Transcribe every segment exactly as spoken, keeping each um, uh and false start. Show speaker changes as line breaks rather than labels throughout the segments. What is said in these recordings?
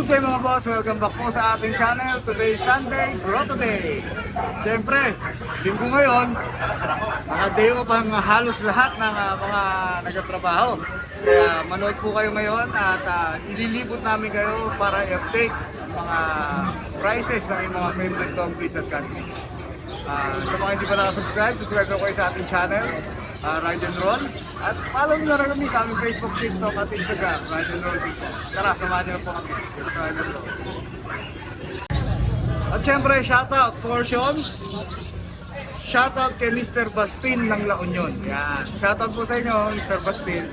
Good day mga boss, welcome back po sa ating channel. Today is Sunday, Grotto Day. Siyempre, linggo ngayon, naka-day off ang halos lahat ng uh, mga nagtatrabaho. Kaya manood po kayo ngayon at uh, ililibot namin kayo para i-update ang mga prices ng mga favorite dog breeds at cat breeds. Uh, sa mga hindi pa nakasubscribe, subscribe ko kayo sa ating channel, uh, Ride and Roll. At follow nyo na rin kami sa aming Facebook, TikTok at Instagram, Ride and Roll People. Tara, samahan nyo po kami sa Ride and Roll. At syempre, shoutout portion. Shoutout kay Mister Bastin ng La Union. Yan. Shoutout po sa inyo, Mister Bastin.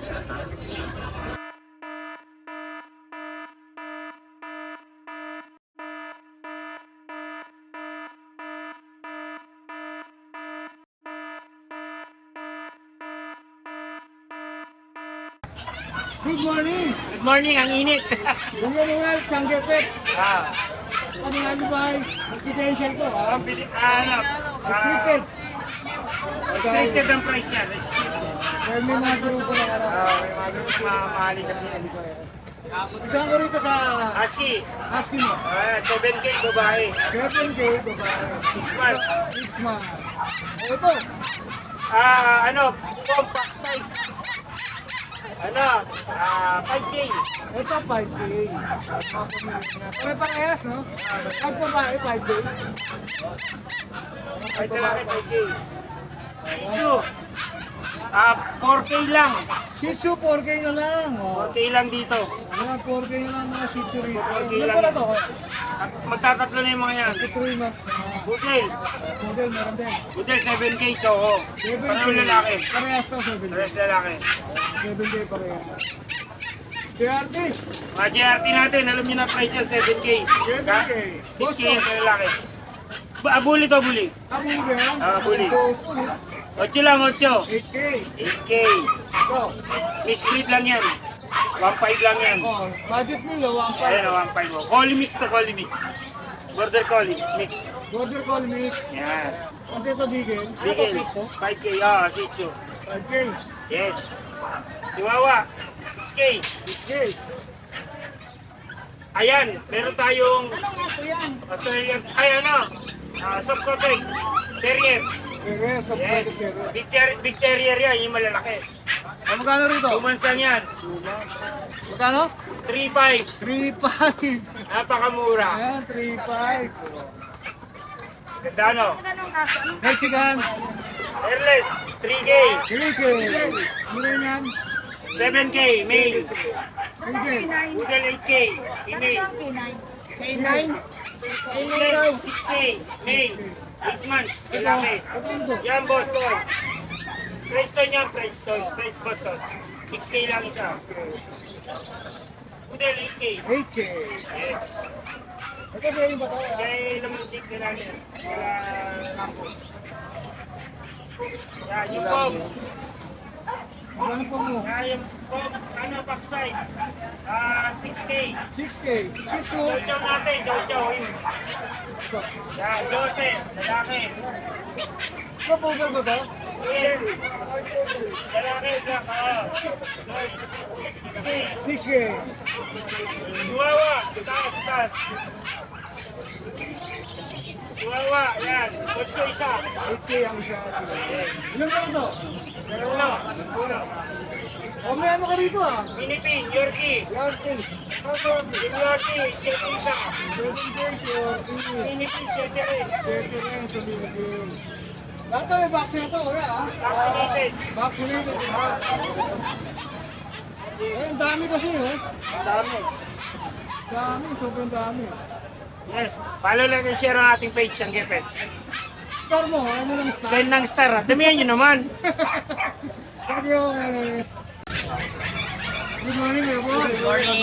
Good morning!
Good morning, ang init.
Bugyan Noel, Changi Pets.
ah,
Ano nga nyo ba ay confidential ko? Ha?
ang pili, ano,
Street
ah,
Pets.
restricted ang price yan.
Well, may mga grupo na ano.
Ah, may mga ganun mamahali kasi.
Isang ko rito sa
Husky,
Husky mo.
ah, seven K babae,
seven K, babae.
six months.
six months. O ito,
Ah, ano, compact style. Ano, ah, five K.
ito five K. Pare-parehas, no? Pag babae, five K.
Ay, talaki, five K. Shih Tzu, ah, four K lang.
Shih Tzu, four K na lang. Oh.
four K lang dito.
Ayan, four K na lang mga Shih Tzu rito.
four K
Ilan
lang.
pa na to?
At magtatatlo na yung mga yan.
three months na.
Budel,
Model, meron din.
Budel, seven K choco.
seven K.
Parang lalaki.
Parehas to, seven K.
Pares lalaki.
seven K parehas. K R T,
Mga J R T natin, alam niyo na price niya, seven K.
seven
Ka-
K.
six K yung lalaki. Ba, ah, bully to, bully.
Abuli yan.
Ah, abuli.
Boso,
ocho lang, ocho.
eight K.
eight K.
Ito.
Mixed breed lang yan. one five lang yan.
Oh, budget nila, one five.
Ayan, one five mo. Collie mix to, collie mix. Border collie mix.
Border Collie Mix.
Yan.
Kasi ito Digel.
Bigel. five K, ah, Shih Tzu.
five K.
Yes. Chihuahua, six K.
six K.
Ayan, meron tayong Australian, ay ano, uh, soft coated, terrier.
Carrier, sa
Yes,
yes. Carrier.
big, ter big terrier yan, yung malalaki.
Ah, magkano rito?
Two months lang yan,
Magkano?
three five,
three five.
napakamura.
Ayan, three five.
Ganda no?
Mexican.
Airless, three K,
three K. Mura yan.
seven K, male.
three K.
Poodle eight K, female.
K nine.
Poodle six K, male. eight months, lalaki. Yan, Boston. Princeton yan, Princeton. Prince Boston. six K lang isa. Poodle eight K.
eight K.
Yes.
Ito pwede ba ito?
Kaya naman check nila yan. Wala kampo. Yan, yung pom.
Ano po mo?
Yan, yung pom. Ano, backside. Ah, six K.
six K. Shih Tzu.
Chow chow natin, chow chow. Yun. Yan, twelve. Lalaki.
Ano poodle ba ito?
Yan. Lalaki, black. Ah. six K.
six K.
Chihuahua. Taas, taas. Chihuahua. Yan. Ocho isa.
eight K ang isa. Ilan pa na ito?
Uno. Uno.
O may ano ka rito ah?
Pinipin, Yorkie.
Yorkie.
Yorkie, siete isa.
seven K, Yorkie.
Pinipin, siete rin.
thirty rin sa Philippines. Lahat ito may vaccine ito kuya ah.
Vaccinated.
Vaccinated. Eh, ang dami kasi oh.
Dami.
Dami, sobrang dami.
Yes. Follow lang and share ang ating page, ang Gepets.
Star mo, ano lang star?
Send ng star. ah. Damihan nyo naman.
Thank you. eh. Good morning, Ebo. Good morning.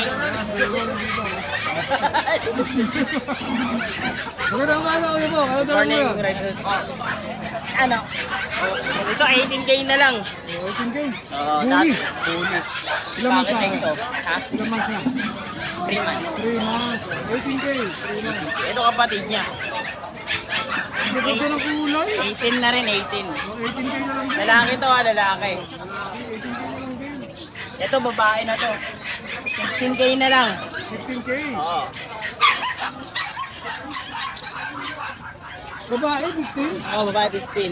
Magandang umaga, Ebo. Ano daw mo?
Ano? Ito eighteen K na lang.
eighteen K.
Oo,
Bully.
Bully.
Ilang months na?
Bakit ito? Ha?
Ilang months na?
three months.
three months. eighteen K. three months.
Ito kapatid niya.
Ang ganda ng kulay.
eighteen na rin, eighteen.
Oh, eighteen K na lang din.
Lalaki to ah, lalaki.
eighteen K na lang din.
Ito babae na to. fifteen K na lang.
fifteen K.
Oo.
Babae, fifteen.
Oo, babae fifteen.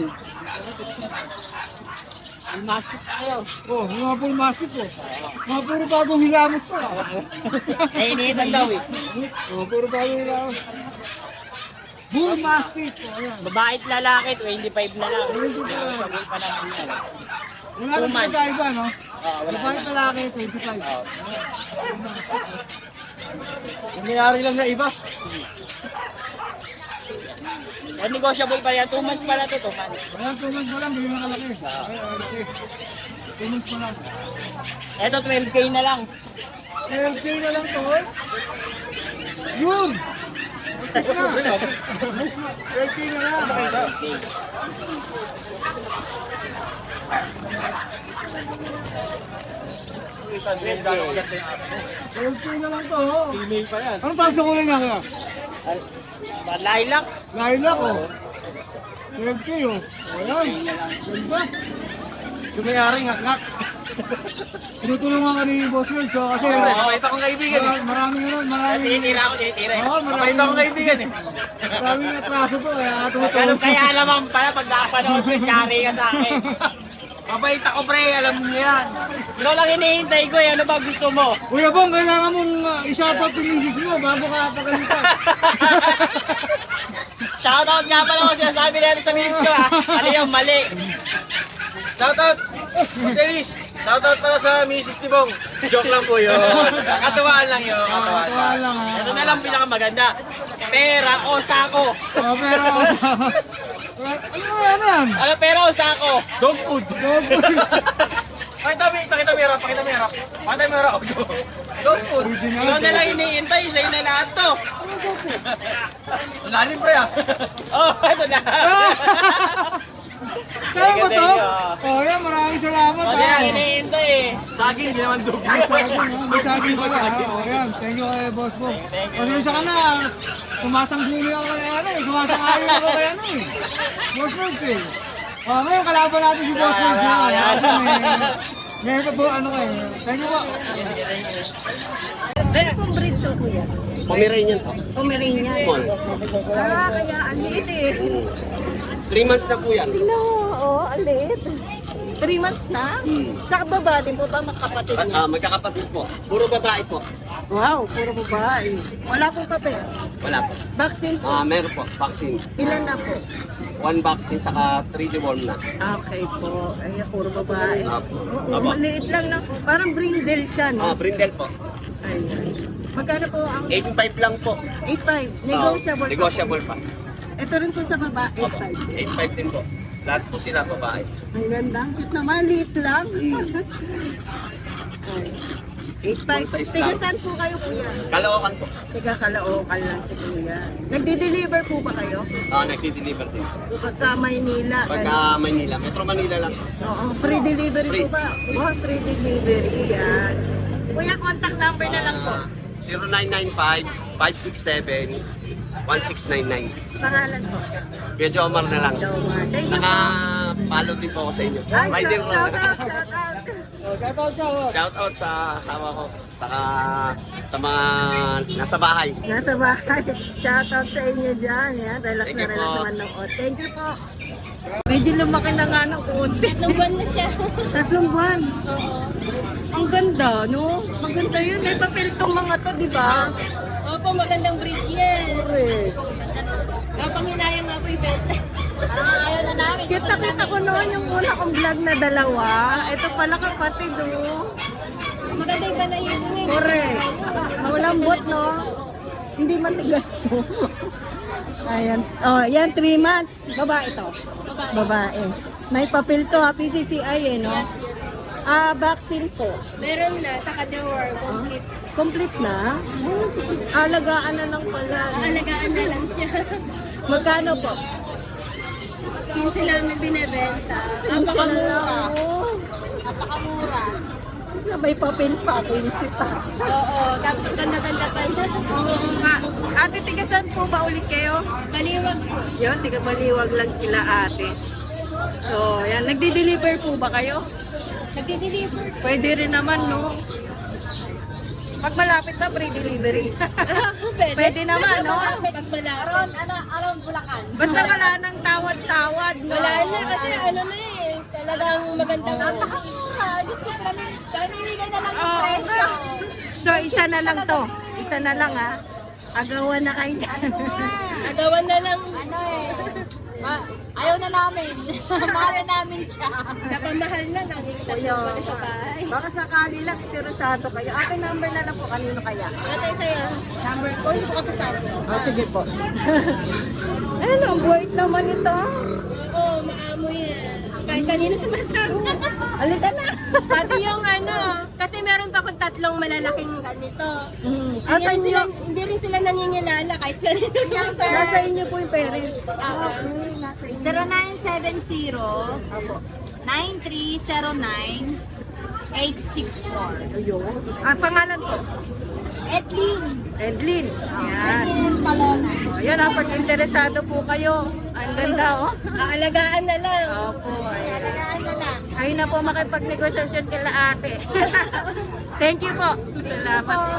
May mask tayo.
Oh, mga full massive po. Mga puro bagong hilamos to. ah.
Eh, iniitan daw eh.
Oh, puro bagong hilamos. Bull mastiff. Oh, ayan.
Babae at lalaki, twenty-five na lang. Sabi pa naman yan.
Wala nang
Two months.
pagkaiba, no?
Oo, wala
Babae
na.
talaki, twenty-five.
Oo.
Yung nangyari lang na iba.
Eh, negotiable pa yan. two months pala to, two months.
Ayan, two months pa lang, bigyan na kalaki. Ay, okay. two months pa lang.
Ito, twelve K na lang.
twelve K na lang to, eh. Yun! twelve K na lang. twelve K na lang to, oh.
Female pa yan.
Anong tawag sa kulay niya kaya?
Lilac.
Lilac, oh. twelve K, oh. Ayan. Ganda. Sumayari, ngak-ngak. Tinutulungan ka ni Boss Will, so kasi...
Mabait akong kaibigan eh.
Marami, marami na nun, marami.
Tinitira ako, tinitira eh.
Oo, marami.
Mabait akong kaibigan eh.
Maraming atraso po, kaya tumutulong.
Ganun kaya naman pala pag nakapanood mo, yari ka sa akin. Mabait ako pre, alam mo yan. Ikaw lang hinihintay ko eh, ano ba gusto mo?
Kuya Bong, kailangan mong uh, i-shoutout yung misis mo bago ka pagalitan.
Shoutout nga pala ko sinasabi natin sa miss ko ah. Mali yung mali. Shoutout! Dennis! Shoutout pala sa misis ni Bong. Joke lang po yun. Katuwaan lang yun. Katuwaan
Katuwa lang, ha.
Ito na lang pinakamaganda. Pera o sako.
Oh, pero... ano yan yan?
Ano pera o sako? Dog food.
Dog food.
Pakita mo, pakita mo hirap, pakita mo hirap. Pakita mo hirap. Dog food. Ikaw na lang iniintay, sa'yo na lahat to. Lalim pre ah. Oh, ito na.
Kaya ba to? Oh, yan, maraming salamat,
O,
ha.
di lang iniintay eh. Saging, di naman dog.
May saging, ha? May saging pala, ha. Oh, yan. Thank you kay Boss Bong. Pasensya ka na. Sumasangguni ako kay ano eh. Sumasangayon ako kay ano eh. Boss Bong, eh. Oh, ngayon kalaban natin si Boss Bong. ha. Kasi may... Ngayon pa po, ano kayo. Thank you po.
Ano pong breed to, kuya?
Pomeranian po.
Pomeranian.
Small.
Ah, kaya ang liit eh.
three months na po yan.
No, oh, ang liit. Three months na? Sa baba din po ba makapatid
At
niya?
ah, magkakapatid po. Puro babae po.
Wow, puro babae. Wala pong papel.
Wala po.
Vaccine po.
Ah, meron po. Vaccine.
Ilan na po?
One vaccine saka three deworm na.
Okay po. Ay, puro babae.
Apo.
Oo,
Apo.
maliit lang na. Parang brindle siya, no?
Ah, brindle po.
Ayun. Magkano po ang
eight five lang po.
eight five?
Ah,
Negotiable.
negotiable pa.
Ito rin po sa baba, eight five.
eight five din po. Lahat po sila babae.
Ang ganda. Ang cute naman. Liit lang. eight five.
Small size
Tiga
lang.
saan po kayo, kuya?
Kalookan po.
Tiga Caloocan lang si kuya. Nagdi-deliver po ba kayo?
Ah, nagdi-deliver din.
Pagka Maynila.
Pagka Manila, Metro Manila lang.
Oo, free delivery
Free.
po ba? Oh, free delivery. Yan. Kuya, contact number na lang po.
zero nine nine five, five six seven, one six nine nine.
Pangalan po.
Kuya Jomar na lang.
Doma. Thank you
Saka
po.
follow din po ako sa inyo.
Ay,
Rider
shout
ko.
out, shout out.
Oh, shoutout ka, oh.
Shout out sa asawa ko. Saka sa mga nasa bahay.
Nasa bahay. Shout out sa inyo dyan. Yan. Relax
Thank
na
you
relax
po.
naman ng o. Thank you po. Medyo lumaki na nga ng konti. Tatlong buwan na siya. Tatlong buwan? Oo. Ang ganda, no? Maganda yun. May papel tong mga to, di ba?
Opo, magandang breed yan.
Correct.
Kapanghinayang nga po ibenta. Ah, ayaw na namin.
Kita kita ko noon yung una kong vlog na dalawa. Ito pala kapatid, oh.
Maganda yung balayin mo eh.
Correct. Malambot, no? Hindi matigas mo. Ayan. Oh, yan, three months. Babae to.
Babae.
Babae. May papel to, ha? P C C I, eh, no?
Yes, yes.
Ah, vaccine po.
Meron na sa Kadewar, complete.
Complete na? Alagaan na lang pala. no?
Alagaan na lang siya.
Magkano po?
quince lang na binibenta.
Quince na lang,
Napakamura.
oh.
Napakamura.
Na may papel pa, quince pa.
Oo, tapos ganda-ganda pa yun.
Oo nga. Ate, tigasan po ba ulit kayo?
Kaliwag po.
Yun, tiga maliwag lang sila ate. So, yan. Nagdi-deliver po ba kayo?
Nagdi-deliver.
Pwede rin naman, no? Pag malapit na, free delivery.
Pwede.
Pwede naman, no?
Pag malapit. Around, ano, around Bulacan.
Basta wala nang tawad-tawad, no?
Wala na kasi ano na eh. Talagang magandang napakamura. Diyos ko, pamimigay na lang yung
Oo.
presyo.
So, isa na lang to. Isa na lang, ha? Agawan na kayo dyan.
Agawan na lang. Ano eh. Ma ayaw na namin. Mahal na namin siya. Napamahal na. Nakikita siya pala sa bahay.
Baka sakali lang, interesado kayo. Ate, number na lang po. Kanino kaya?
Ate sa'yo. Number ko. Hindi ko kapasado.
Oh, sige po. Ano, ang buwait naman ito.
Oo, maamoy yan. Kahit kanino sumasabi.
Alika na.
Pati yung ano, kasi meron pa akong tatlong malalaking ganito.
Mm.
Hindi,
Asa
rin sila,
inyo?
hindi rin sila nangingilala kahit sila rin.
Nasa inyo po yung parents.
Oo.
zero nine seven zero nine three zero nine eight six four.
Ayun. Ah, pangalan ko?
Edlin.
Edlin. Yan.
Edlin Escalona.
Oh, yan, ah, pag interesado po kayo. Ang ganda, oh.
Aalagaan na lang.
Opo. Ayan.
Alagaan na lang.
Ayun na po makipagnegosasyon kila ate. Thank you po. Salamat po.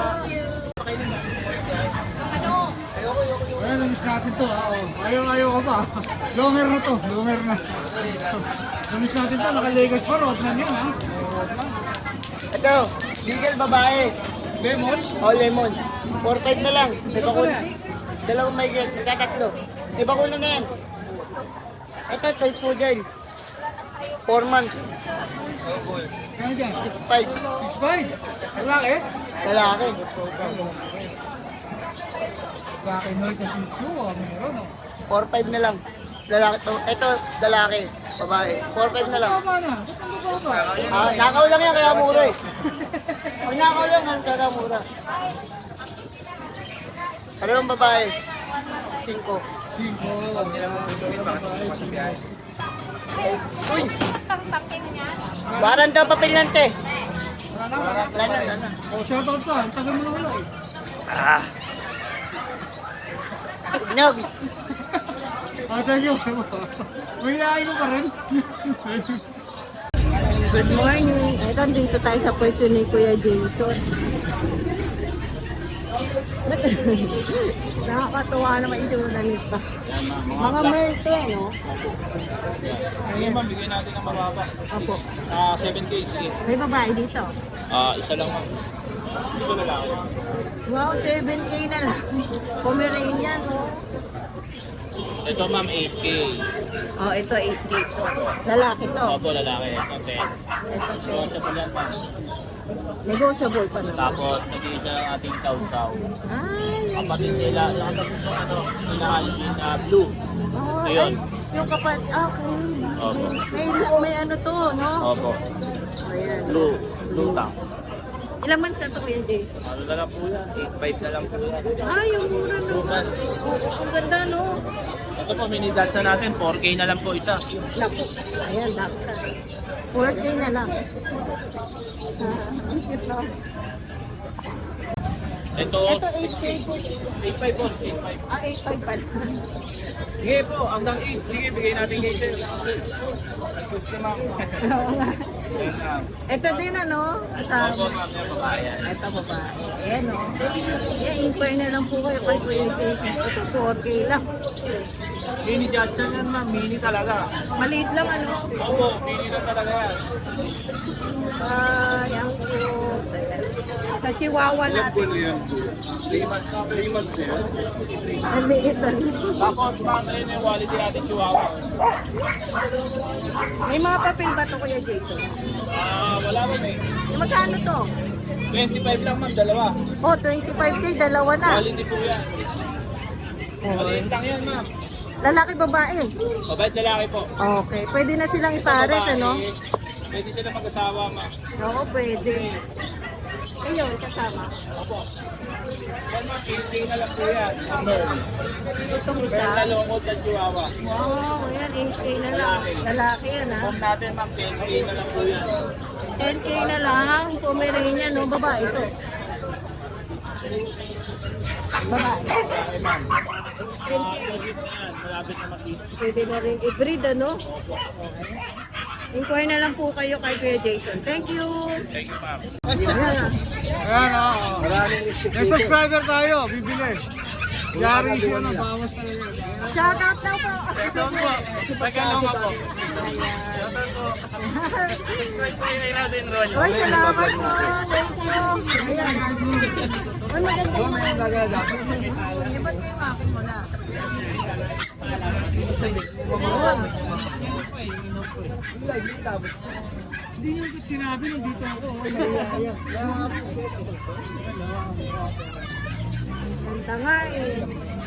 Ayan, namiss natin to. ah, oh. Ayaw, ayaw ka pa. Longer na to. Longer na. Namiss natin to. Naka-Lakers pa. Road na yan, ha?
Ito, legal babae.
Lemon?
O, lemon. four five na lang. May bakuna. Dalawang may get. Nagkatatlo. May bakuna na yan. Ito, toy poodle. four months.
Ano dyan?
six five.
six five. Lalaki?
Lalaki.
Lalaki, no, ito Shih Tzu. ah, Meron, oh.
four five na lang. Lalaki to. Ito, lalaki. Babae. four five na lang.
Tama na. Ba't ang baba?
Ah, nakaw lang yan, kaya mura eh. Pag nakaw lang yan, kaya mura. Parang babae. Cinco.
Cinco.
Uy! Baran daw papilante. Wala na, wala na.
Oh, shoutout ka. Ang tagal mo na wala, eh.
Nog.
Ah, thank you. May inaay mo pa rin.
Good morning. Ito, dito tayo sa pwesto ni Kuya Jason. Nakakatuwa naman yung na nito. Mga merte, no?
Ngayon ma'am, bigyan natin ng mababa.
Apo.
Ah, seven K. Sige.
May babae dito.
Ah, isa lang ma'am. Isa na lang.
Wow, seven K na lang. Pomeranian, no?
Ito ma'am, eight K.
Oh, ito eight K po. Lalaki to.
Opo, lalaki. Ito, ten.
Ito
Ito, sa pala ma'am.
negotiable pa naman.
Tapos, nag-iisa ang ating taw-taw.
Ay,
Kapatid nila, yung kapatid ko, ano, sila Alvin na blue.
oh,
Ayun.
ay, yung kapat, okay.
Opo.
May, may ano to, no?
Opo.
Ayan.
Blue. Blue tank.
Ilang months na to, Kuya Jason?
Ano na lang po yan? eight five na lang po yan.
Ay, yung mura
Two
naman.
months.
Oo, ang ganda, no?
Ito po, mini datsa natin. four K na lang po isa.
Naku, ayan, dakta. four K na lang. Ah, ang cute, no?
Ito,
Ito, eight K po.
eight five boss. eight five.
Ah, eight five pala.
Sige po, hanggang eight. Sige, bigay natin kay sir. Gusto ma'am. Ayan, ma'am.
Ito din, ano?
Opo,
Asawa.
ma'am, yung babae yan.
Ito babae. Ayan, no? Ayan, inquire na lang po kayo kay Kuya Jason. Ito, four K lang.
Mini Jatchan yan ma'am, mini talaga.
Maliit lang, ano?
Opo, mini na talaga yan.
Ay, ang cute. Sa Chihuahua natin. Ang liit, ano?
Tapos ma'am, ayun yung quality natin chihuahua.
May mga papel ba ito, Kuya Jason?
Ah, wala ma'am eh.
Magkano to?
twenty-five lang ma'am, dalawa.
Oh, twenty-five K, dalawa na.
Quality po yan. Maliit lang yan ma'am.
Lalaki, babae.
Mabait lalaki po.
Okay, pwede na silang ipares,
Babae,
ano?
Pwede sila mag-asawa ma'am.
Oo, pwede. Ayun, kasama.
Yan ma'am, eight K na lang po yan. Merl.
Itong
Merl
isa.
na lungkot ng chihuahua.
Wow, ayan, eight K na lang. Lalaki yan, ha?
Home natin ma'am, ten K na lang po yan.
ten K na lang. Pomeranian, no? Babae ito. Babae.
Okay ma'am. Ah, legit na yan. Malapit na makita.
Pwede na rin i-breed, ano? Inquire na lang po kayo kay Kuya Jason. Thank you!
Thank you, ma'am.
Ayan.
Ayan, oo. May subscriber tayo, bibili. Yari siya na, bawas talaga.
Shoutout daw po!
Shoutout po. Tagalong ako. Shoutout po. Subscribe po yung natin, Ron.
Uy, salamat po! Thank you! Ayan. Uy, maganda yung mga gagada. Iba't yung akin mo na.
Hindi nyo ko sinabi nung dito ako.
Ganda nga eh.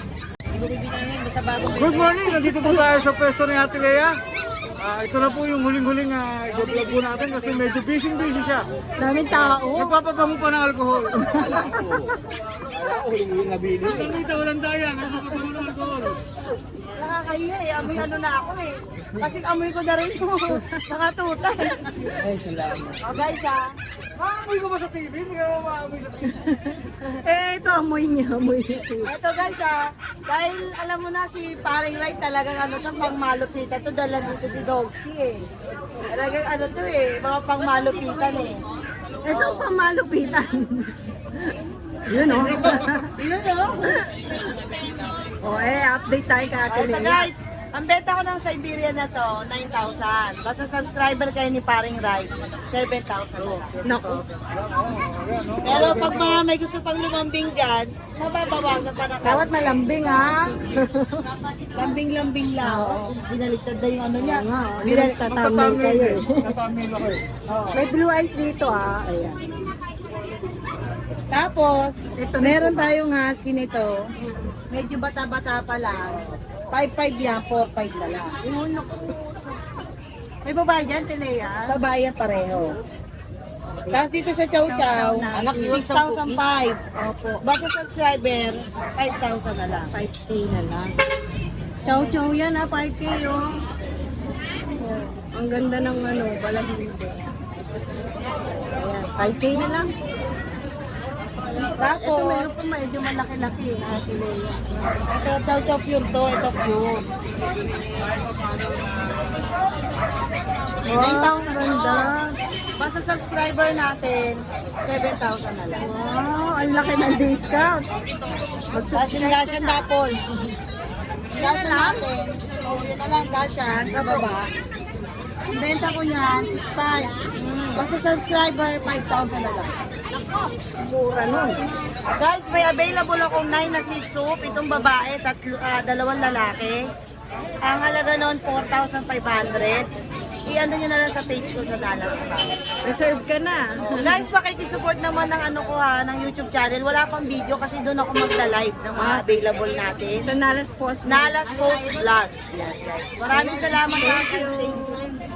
Good morning! Nandito po tayo sa pwesto ni Ate Lea. Ah, ito na po yung huling-huling uh, i-vlog po natin kasi medyo busy-busy siya.
Daming tao.
Nagpapagamo pa ng alcohol. Nandito, walang daya. Nagpapagamo ng alcohol.
Nakakahiya eh. Amoy ano na ako eh. Kasi amoy ko na rin po. Nakatuta eh.
Ay, salamat.
Oh guys ah.
Maamoy ko ba sa T V? Hindi ka naman maamoy sa T V.
Eh ito amoy niya. Amoy niya. Ito guys ah. Dahil alam mo na si Paring Ray talagang ano to pang malupitan. Ito dala dito si Dogski eh. Talagang ano to eh. Mga pang malupitan eh. Ito pang malupitan. Yun oh. Yun oh. Oh eh, update tayo ka Ate Lea. Guys, ang benta ko ng Siberian na to, nine thousand. Basta subscriber kayo ni Paring Rai, seven thousand na lang. Naku. Pero pag mga may gusto pang lumambing dyan, mababawasan pa na. Dapat malambing ha. Lambing-lambing lang. Binaligtad na yung ano niya. Binaligtad tatamil kayo eh.
Tatamil ako eh.
May blue eyes dito ah. Ayan. Tapos, ito, meron tayong husky nito. Medyo bata-bata pa lang. five five yan, four five na lang. May babae dyan, Tilea? Babae yan pareho. Tapos ito sa Chow Chow, six thousand five. Opo. Basta subscriber, five thousand na lang. five K na lang. Chow Chow yan ha, five K oh. Ang ganda ng ano, balahibo. Ayan, five K na lang. Tapos, ito meron pa medyo malaki-laki. Ito, ito, ito pure to, ito pure. nine thousand ganda. Basta subscriber natin, seven thousand na lang. Wow, ang laki ng discount. Dashan-dashan na po. Dashan natin. O, yun na lang, dashan, sa baba. Ang benta ko niyan, six five. Basta subscriber, five thousand na lang. Mura nun. Guys, may available akong nine na Shih Tzu, pitong babae, tatlo, ah, dalawang lalaki. Ang halaga nun, four thousand five hundred. I-ano nyo na lang sa page ko sa Dallas. Reserve ka na. Oh, guys, pakikisupport naman ng ano ko ha, ng YouTube channel. Wala pang video kasi doon ako magla-live ng mga available natin. Sa Nalas Post. Nalas Post Vlog. Yes, guys. Maraming salamat ha. Thank you.